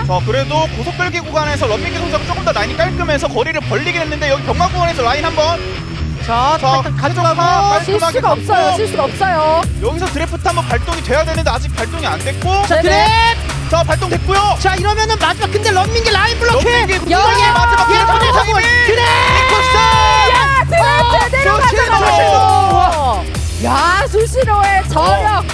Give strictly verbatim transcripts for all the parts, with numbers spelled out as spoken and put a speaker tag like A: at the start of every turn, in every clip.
A: 자 그래도 고속별기 구간에서 런민기 선수가 조금 더 라인이 깔끔해서 거리를 벌리긴 했는데 여기 병강 구간에서 라인 한번
B: 자,
A: 자,
B: 일단 가져가고
A: 깔끔하게
C: 실수가
A: 잡고.
C: 없어요. 실수가 없어요.
A: 여기서 드래프트 한번 발동이 돼야 되는데 아직 발동이 안 됐고
B: 자, 드랩!
A: 자 발동됐고요.
B: 자, 이러면은 마지막 근데 런민기 라인 블록해!
A: 런민기
C: 야,
A: 구간의 마지막
B: 예,
A: 기회
B: 터져서
A: 타이밍
B: 드랩!
C: 야, 드래프트 내려가잖아요. 야, 수시로의 저력.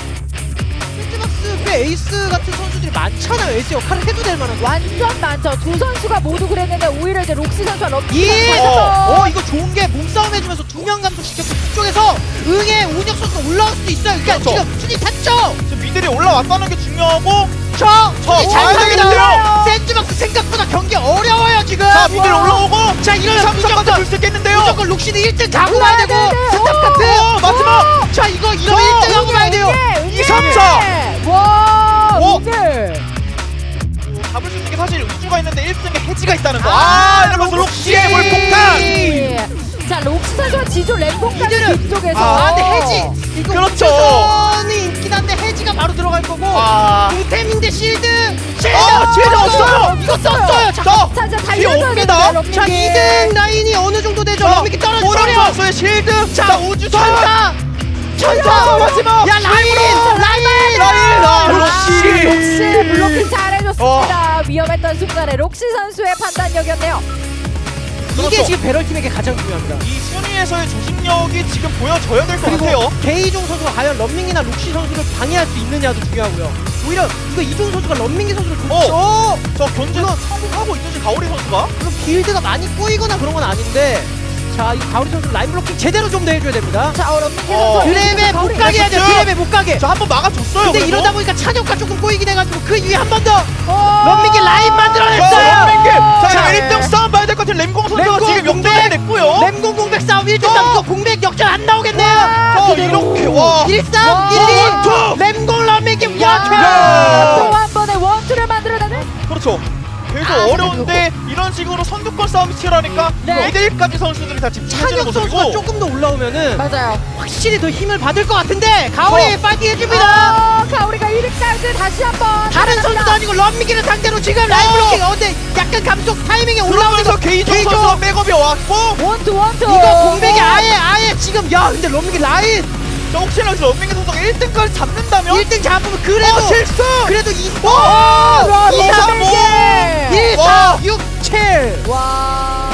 B: 샌드박스의 에이스 같은 선수들이 많잖아요. 에이스 역할을 해도 될 만한.
C: 완전 많죠. 두 선수가 모두 그랬는데 오히려 이제 록시 선수와 럭키
B: 예!
C: 선수가
B: 어, 이거 좋은 게 몸싸움 해주면서 두 명 감속시켰고 뒤쪽에서 응애 운혁 선수가 올라올 수도 있어요. 그러니까
A: 그렇죠.
B: 지금 순위 탔죠?
A: 지금 미들이 올라왔다는 게 중요하고
B: 저!
A: 저,
B: 순위 잘
A: 와야
B: 탑니다.
A: 되겠는데요?
B: 샌드박스 생각보다 경기 어려워요 지금.
A: 자 미들이 올라오고
B: 자, 이러면
A: 삼성까지
B: 무조건
A: 줄 수 있겠는데요.
B: 무조건 록시는 일 등 가고 가야 되고
C: 네, 네.
B: 스탑
C: 오!
B: 카트
A: 어, 마지막!
B: 자, 이거 이러면 일 등 하고 가야 돼요.
A: 이, 삼, 사.
C: 와,
A: 오!
C: 오늘.
A: 잡을 수 있는 게 사실 우주가 있는데 일 등에 해지가 있다는 거.
B: 아,
A: 아, 이러면서
B: 록시!
A: 록시의 몰폭탄.
C: 네. 자, 록시 선수와 지조 램봉까지
B: 이들은-
C: 뒤쪽에서.
B: 아, 근데 해지 이거
A: 그렇죠.
B: 우주선이 있긴 한데 해지가 바로 들어갈 거고
A: 아.
B: 공템인데 실드 실드
A: 아, 실드
B: 어,
A: 없어요.
B: 이거 썼어요. 자,
A: 자,
C: 자, 자,
A: 뒤에
C: 달려줘야
A: 옵니다.
C: 됩니다, 런민기.
B: 자, 이 등 라인이 어느 정도 되죠? 런민기
A: 오른
B: 떨어지죠.
A: 선수의 실드. 자, 우주선.
B: 천사 천사
A: 천사 마지막.
B: 야, 라인 라인
A: 라인. 아,
C: 록시
A: 록시.
C: 록시 블로킹 잘해줬습니다. 위험했던 순간에 록시 선수의 판단력이었네요.
B: 이게
A: 그렇죠.
B: 지금 배럴팀에게 가장 중요합니다.
A: 이 순위에서의 조직력이 지금 보여져야 될 것
B: 그리고
A: 같아요.
B: 게이종 선수가 과연 런밍이나 록시 선수를 방해할 수 있느냐도 중요하고요. 오히려 이거 이종 선수가 런밍이 선수를 줬죠.
A: 어. 저 견제는 성공하고 있듯이 가오리 선수가.
B: 그럼 빌드가 많이 꼬이거나 그런 건 아닌데, 자, 이 가오리 선수 라인 블로킹 제대로 좀 더 해줘야 됩니다.
C: 자, 어, 런민기
A: 어.
C: 선수.
B: 드랩에 못 가게 해야 돼요. 드랩에 못 가게.
A: 저 한 번 막아줬어요.
B: 근데
A: 그래도.
B: 이러다 보니까 찬혁가 조금 꼬이긴 해가지고 그 위에 한 번 더
C: 어.
B: 런민기 라인
A: 자,
B: 만들어냈어요.
A: 런민기. 자,
B: 자,
A: 일 등 싸움 봐야 될 것 같은 램공 선수가
B: 램공
A: 지금
B: 공백.
A: 역전을 냈고요.
B: 램공 공백 싸움 일 등
A: 어.
B: 싸움. 이거 공백 역전 안 나오겠네요.
A: 자,
C: 그대로.
A: 이렇게 와.
B: 일 삼
C: 와.
B: 일 이
A: 원투.
B: 램공 런민기
C: 야,
B: 원투.
C: 또 한 번의 원투를 만들어내는.
A: 그렇죠. 계속
C: 아,
A: 어려운데 이런 식으로 선두권 싸움이 치열하니까
C: 네.
A: 이 대 일까지 선수들이 다 집중해주는
B: 찬혁 선수가
A: 모습이고.
B: 조금 더 올라오면은
C: 맞아요.
B: 확실히 더 힘을 받을 것 같은데 가오리
A: 어.
B: 파이팅 해줍니다.
C: 어, 가오리가 일 위까지 다시 한번.
B: 다른 선수도 아니고 런민기를 상대로 지금 라인
A: 어.
B: 블로킹. 어, 근데 약간 감속 타이밍에 올라오면서
A: 올라오면서 게이종
B: 게이종.
A: 선수가 백업이 왔고
C: 원투 원투.
B: 이거 공백이 아예 아예 지금 야 근데 런민기 라인
A: 자, 혹시나 여기서 런민기 선수가 일 등까지 잡는다면
B: 일 등 잡으면 그래도
A: 어, 실수!
B: 그래도 이
A: 와!
B: 이, 삼,
A: 런민기!
B: 일,
A: 와!
B: 사, 육, 칠.
C: 와.